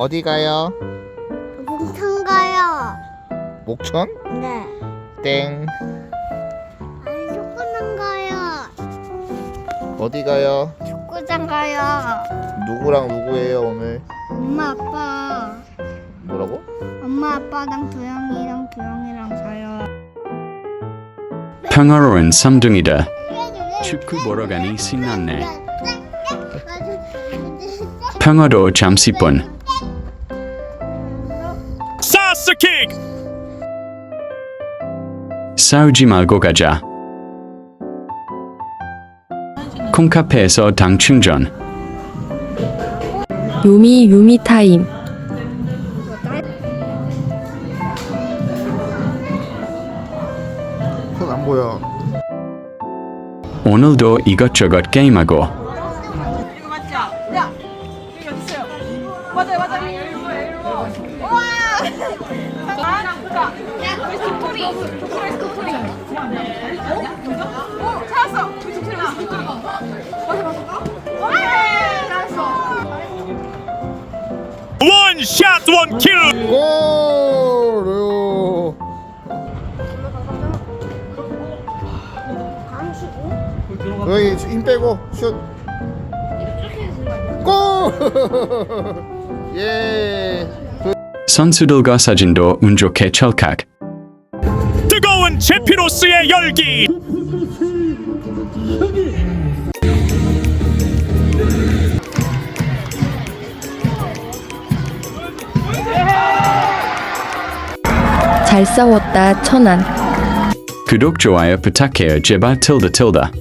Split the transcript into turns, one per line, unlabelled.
어디 가요?
목천 가요.
목천?
네.
땡.
아니 축구장 가요.
어디 가요?
축구장 가요.
누구랑 누구예요 오늘?
엄마 아빠.
뭐라고?
엄마 아빠랑 도영이랑 자요.
평화로운 쌈둥이다. 축구 보러 가니 신났네. 평화도 잠시뿐.
사스킥!
싸우지 말고 가자. 콩카페에서 당 충전.
요미 타임.
손 안 보여.
오늘도 이것저것 게임하고.
이거 맞죠? 야! 여기 어딨어요? 맞아요. 우와! 보자. 우리 스토리. 찾았어. 우리 스토리. 맞아. 알았어.
원샷 원킬!
골! 여기 힘 빼고 슛. 골! 예.
선수들과 사진도 운 좋게 찰칵.
뜨거운 제피로스의 열기!
잘 싸웠다 천안.
구독 좋아요 부탁해요 제발 tilde.